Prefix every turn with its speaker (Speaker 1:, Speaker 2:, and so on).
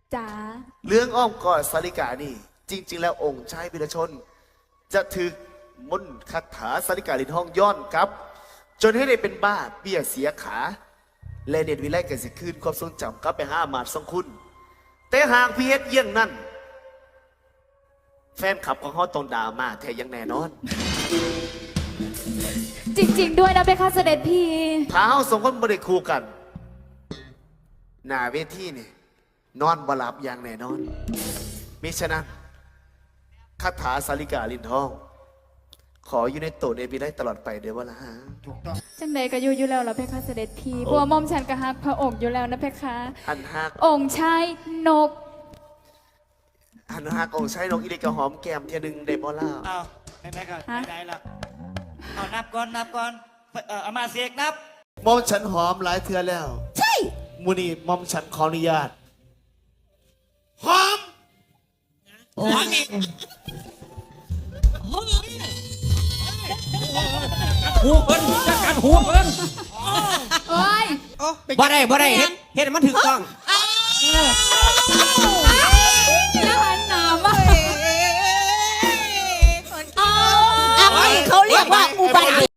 Speaker 1: จ๋า
Speaker 2: เรื่องอ้อมกอดสาริกานี่จริงๆแล้วองค์ชายวิรชน จะถึกมนต์คาถาสาริกาลินห้องย้อนครับ จนให้ได้เป็นบ้าเบี้ยเสียขา และเด็ดวิไลกันสิคืนความทรงจำกลับไปหาอามาตย์ทรงคุณ แต่หากพี่เฮ็ดเยี่ยงนั้นแฟนคลับของเขาต้องด่ามาแท้อยังแน่นอน
Speaker 1: จริงๆด้วยนะเพคะเสด็จพี่
Speaker 2: ถ้าเขาสองคนบ่ได้คู่กัน หน้าเวทีนี่นอนบ่หลับอย่างแน่นอนมิฉะนั้นคาถาสาริกาลินทอง ขออยู่ในโตในวิไลตลอดไปเดี๋ยวว่าละฮะ
Speaker 3: ถูกต้อง
Speaker 1: จังใดก็อยู่แล้วล่ะเพคะเสด็จพี่เพราะว่าหม่อมฉันก็ฮักพระองค์อยู่แล้วนะเพคะ
Speaker 2: อันฮัก
Speaker 1: องค์ชายนก
Speaker 2: อันฮักองค์ชายนกอีเด็กกระหอมแก้มเทียหนึงได้บ่ล่ะ
Speaker 3: เอาไหนๆก็
Speaker 1: ฮะ
Speaker 3: ไหนๆละเอานับก่อนเอามาเสียกนับ
Speaker 2: มอมฉันหอมหลายเทือแล้ว ใช่มูนี่มอมฉันขออนุญาตหอม
Speaker 4: หูเพิ่นจัดการหูเพิ่น
Speaker 1: โอ้ย
Speaker 4: บ่ได้เฮ็ดให้มันถูกต้อง
Speaker 1: อย่าหันหน้ามา
Speaker 5: เขาเรียกว่าอุบัติ